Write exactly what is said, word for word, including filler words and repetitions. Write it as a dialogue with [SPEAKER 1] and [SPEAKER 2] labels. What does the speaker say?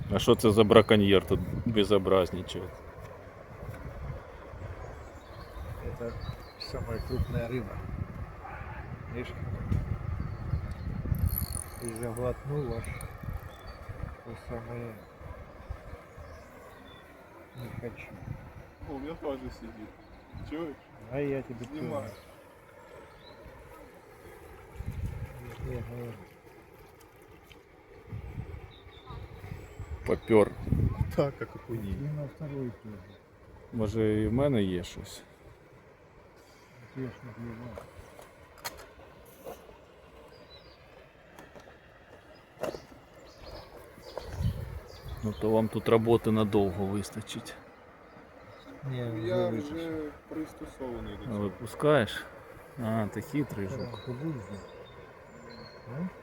[SPEAKER 1] А що це за браконьєр тут безобразничає?
[SPEAKER 2] Это самая крупная рыба. Видишь? И заглотнул аж то самое. Не хочу.
[SPEAKER 3] О, у меня тоже сидит. Чуешь?
[SPEAKER 2] А я тебе
[SPEAKER 3] Снимаю.
[SPEAKER 2] тоже. Я говорю.
[SPEAKER 1] Попер.
[SPEAKER 3] Так, как окуней.
[SPEAKER 2] И на второй тоже.
[SPEAKER 1] Може і в мене є щось?
[SPEAKER 2] Я ж не плевал.
[SPEAKER 1] Ну то вам тут роботи надовго вистачить.
[SPEAKER 2] Не,
[SPEAKER 3] Я
[SPEAKER 2] уже
[SPEAKER 3] вже пристосований до
[SPEAKER 1] А
[SPEAKER 3] цього.
[SPEAKER 1] випускаєш? А, ти хитрий жук.
[SPEAKER 2] Ты будешь? Да?